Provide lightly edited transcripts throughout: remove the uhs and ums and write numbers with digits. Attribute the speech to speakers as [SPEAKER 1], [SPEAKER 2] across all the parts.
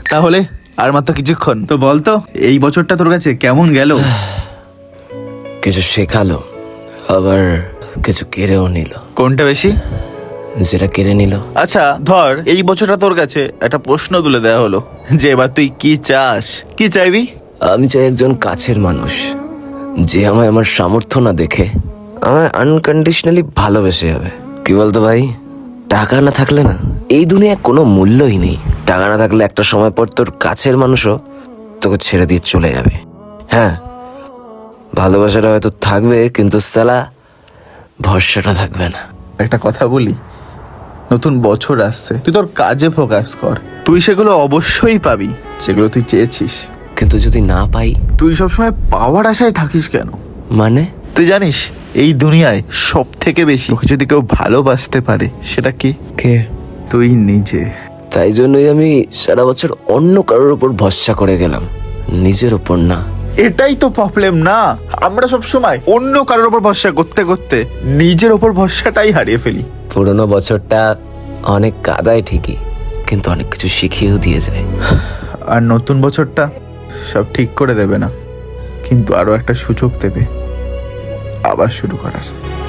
[SPEAKER 1] তাহলে আর মাত্র কিছুক্ষণ, তো বলতো এই বছরটা তোর কাছে কেমন গেল?
[SPEAKER 2] কিছু শেখালো, আবার কিছু কেড়েও নিল।
[SPEAKER 1] কোনটা বেশি?
[SPEAKER 2] যেটা কেড়ে নিল।
[SPEAKER 1] আচ্ছা ধর এই বছরটা তোর কাছে একটা প্রশ্ন তুলে দেওয়া হলো যে এবার তুই কি চাস, কি চাইবি?
[SPEAKER 2] আমি চাই একজন কাছের মানুষ যে আমায় আমার সামর্থ্য না দেখে আমায় আনকন্ডিশনালি ভালোবেসে যাবে। কি বলতো ভাই, টাকা না থাকলে না এই দুনিয়ায় কোনো মূল্যই নেই। টাকা না থাকলে একটা সময় পর তোর কাছের মানুষও তোকে ছেড়ে দিয়ে চলে যাবে। হ্যাঁ, ভালোবাসাটা হয়তো থাকবে, কিন্তু সালা ভরসাটা থাকবে না।
[SPEAKER 1] একটা কথা বলি, নতুন বছর আসছে, তুই তোর কাজে ফোকাস কর। তুই সেগুলো অবশ্যই পাবি যেগুলো তুই চেয়েছিস।
[SPEAKER 2] কিন্তু যদি না পাই?
[SPEAKER 1] তুই সবসময় পাওয়ার আশায় থাকিস কেন?
[SPEAKER 2] মানে
[SPEAKER 1] তুই জানিস এই দুনিয়ায় সব থেকে বেশি তোকে যদি কেউ ভালোবাসতে পারে সেটা কি?
[SPEAKER 2] কে?
[SPEAKER 1] তুই নিজে।
[SPEAKER 2] তাই জন্যই আমি সারা বছর অন্য কারোর উপর ভরসা করে গেলাম, নিজের উপর না।
[SPEAKER 1] এটাই তো প্রবলেম না, আমরা সব সময় অন্য কারোর উপর ভরসা করতে করতে নিজের উপর ভরসাটাই হারিয়ে ফেলি।
[SPEAKER 2] পুরোনো বছরটা অনেক কাদায় ঠিকই, কিন্তু অনেক কিছু শিখিয়েও দিয়ে যায়।
[SPEAKER 1] আর নতুন বছরটা সব ঠিক করে দেবে না, কিন্তু আরো একটা সুযোগ দেবে আবার শুরু করার।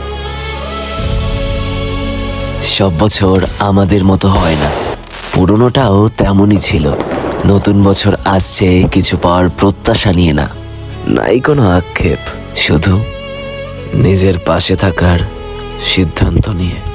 [SPEAKER 2] সব বছর আমাদের মতো হয় না, পুরোনোটাও তেমনই ছিল। নতুন বছর আসছে কিছু পাওয়ার প্রত্যাশা নিয়ে না, নাই কোনো আক্ষেপ, শুধু নিজের পাশে থাকার সিদ্ধান্ত নিয়ে।